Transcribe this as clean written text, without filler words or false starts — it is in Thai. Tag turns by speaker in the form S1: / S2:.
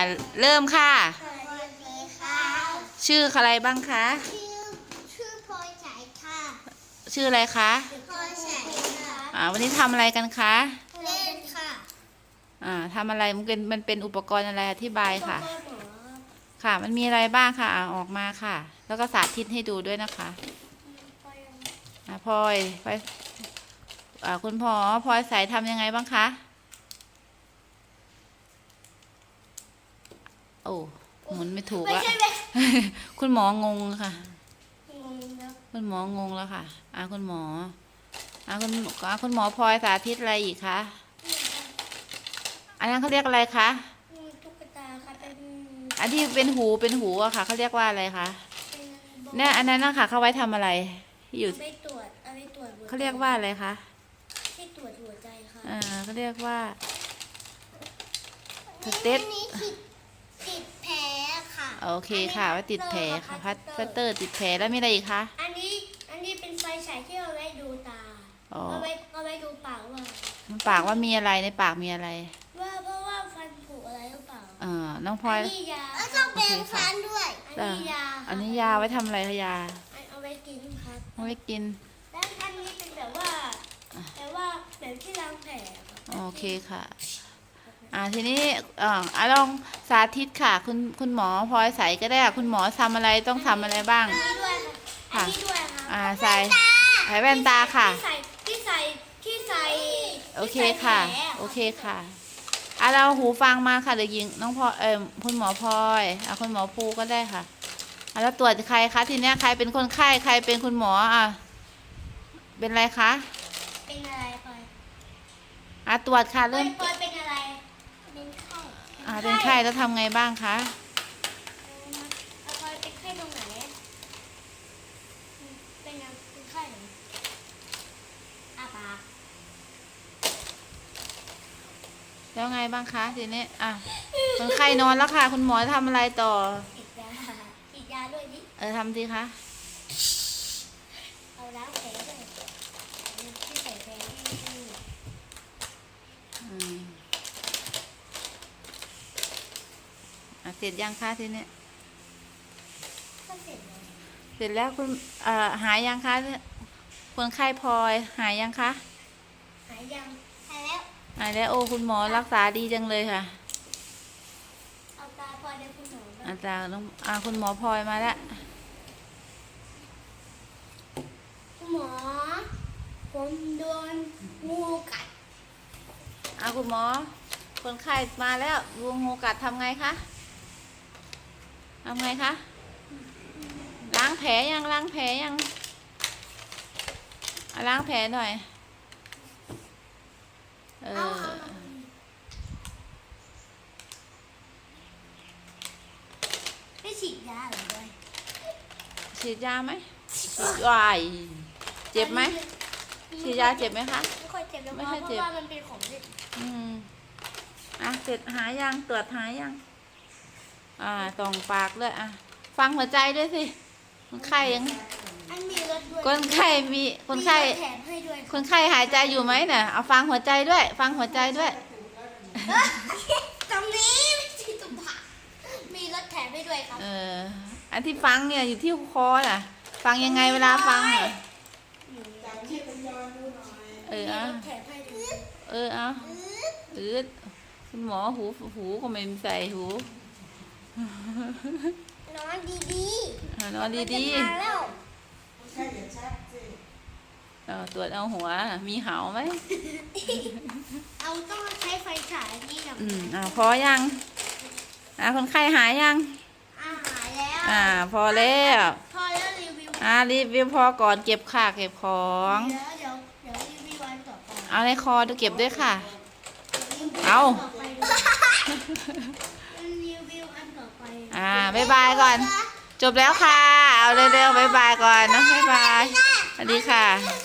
S1: เริ่มค่ะ
S2: สวัสดีค่ะ
S1: ชื่ออะไรบ้างคะ
S2: ชื่อพลอยสายค่ะ
S1: ชื่ออะไรคะ
S2: พลอยสายค่ะ
S1: วันนี้ทำอะไรกันคะ
S2: เล่นค่ะ
S1: ทำอะไรมันเป็นอุปกรณ์อะไรอธิบายค่ะ
S2: พ่อหมอ
S1: ค่ะ มันมีอะไรบ้างค่ะออกมาค่ะ แล้วก็สาธิตให้ดูด้วยนะคะพลอยคุณพ่อพลอยสายทำยังไงบ้างคะโอ้หมุนไม่ถูกละ คุณหมองงค่ะ คุณหมองงแล้วค่ะคุณหมอคุณหมอพลอยสาธิตอะไรอีกคะอันนั้นเขาเรียกอะไรคะ
S2: ตุ๊กตาค่ะเป็น
S1: อันที่เป็นหูอะค่ะเขาเรียกว่าอะไรคะเนี่ยอันนั้นนะคะเขาไว้ทำอะไรที่อยู่
S2: ไปตรวจเอาไปตรวจ
S1: เขาเรียกว่าอะไรคะ
S2: ที่ตรวจหัวใจค่ะ
S1: เขาเรียกว่าสเตต
S2: ติดแผลค่ะ
S1: โอเคค่ะว่าติดแผลค่ะพัตเตอร์ติดแผลแล้วมีอะไรอีกคะ
S2: อันนี้เป็นไฟฉายที่เอาไว้ดูตาเอาไว้ดูปาก
S1: ว่ามีอะไรในปากมีอะไร
S2: เพราะว่าฟันผุอะไรหรือเปล่า
S1: น้องพลอย
S2: นี่ยาต้องแปรงฟันด้วย
S1: อันนี้ยาไว้ทำอะไรคะยา
S2: เอาไว้กินครับ
S1: เอาไว้กิน
S2: แล้วอันนี้เป็นแบบที่ล้างแผล
S1: โอเคค่ะทีนี้ลองสาธิตค่ะคุณหมอพลอยใส่ก็ได้คุณหมอทำอะไรต้องทำอะไรบ้าง
S2: ค่ะ
S1: ใส่แว่นตาค่ะ
S2: ที่ใส่
S1: โอเคค่ะโอเคค่ะเราหูฟังมาค่ะเด็กหญิงน้องพลอยคุณหมอพลอยคุณหมอภูก็ได้ค่ะแล้วตรวจใครคะทีนี้ใครเป็นคนไข้ใครเป็นคุณหมอเป็นอะไรคะ
S2: เป็นอะไรพล
S1: อยตรวจค่ะเริ่ม
S2: เป็นอะไรเป็นไข้
S1: เป็นไข้แล้วทำไงบ้างคะ
S2: พลอยเป็นไข้ตรงไหนเป็นไข้ปาก
S1: แล้วไงบ้างคะทีนี้คนไข้นอนแล้วค่ะคุณหมอทำอะไรต่อ
S2: ฉีดยาด้วยดิ
S1: ทำสิคะ
S2: เอาล้างแผลด้วยที่ใส่แผล
S1: เสร็จยังคะทีนี้
S2: เสร็จ
S1: แล้วคุณหายยังคะคนไข้พลอยหายยังคะ
S2: หายยังหายแล้ว
S1: โอ้คุณหมอรักษาดีจังเลยค่ะ
S2: เอาตาพลอยเดี๋ยวคุณหมอ
S1: ตาต้องคุณหมอพลอยมาแล้ว
S2: คุณหมอผมโดนงูกัด
S1: คุณหมอคนไข้มาแล้วงูกัดทำไงคะล้างแผลยังล้างแผลหน่อย
S2: ไม่ฉีดยาหรือไง
S1: ฉีดยาไหมฉีดเจ็บไหมฉีดยาเจ็บไหมคะ
S2: ไม่ค่อยเจ็บเพราะว่ามันเป็นของเด็ก
S1: เสร็จหายังตรวจหายังส่องปากด้วยฟังหัวใจด้วยสิคนไข้ยังคนไข้คนไข้หายใจอยู่ไหมเนี่ยเอาฟังหัวใจด้วย
S2: ตรงนี้ที่ตุ่มผามีรถแถมให้ด้วยครับ
S1: อันที่ฟังเนี่ยอยู่ที่คอน่ะฟังยังไงเวลาฟังคุณหมอหูก็ไม่ใส่หู
S2: นอนดี
S1: ตรวจเอาหัวมีเหาไหม
S2: ต้องใช้ไฟฉายนี่นะ
S1: พอยังคนไข้หายยัง
S2: หายแล้ว
S1: พอแล้ว
S2: รีวิว
S1: พอก่อนเก็บของ
S2: เดี๋ยวรีวิววันต่อไป
S1: ในคอดูเก็บด้วยค่ะ
S2: รีวิวอันต่อไป
S1: บ๊ายบายก่อนจบแล้วค่ะเอาเร็วๆบ๊ายบายก่อนนะบ๊ายบายสวัสดีค่ะ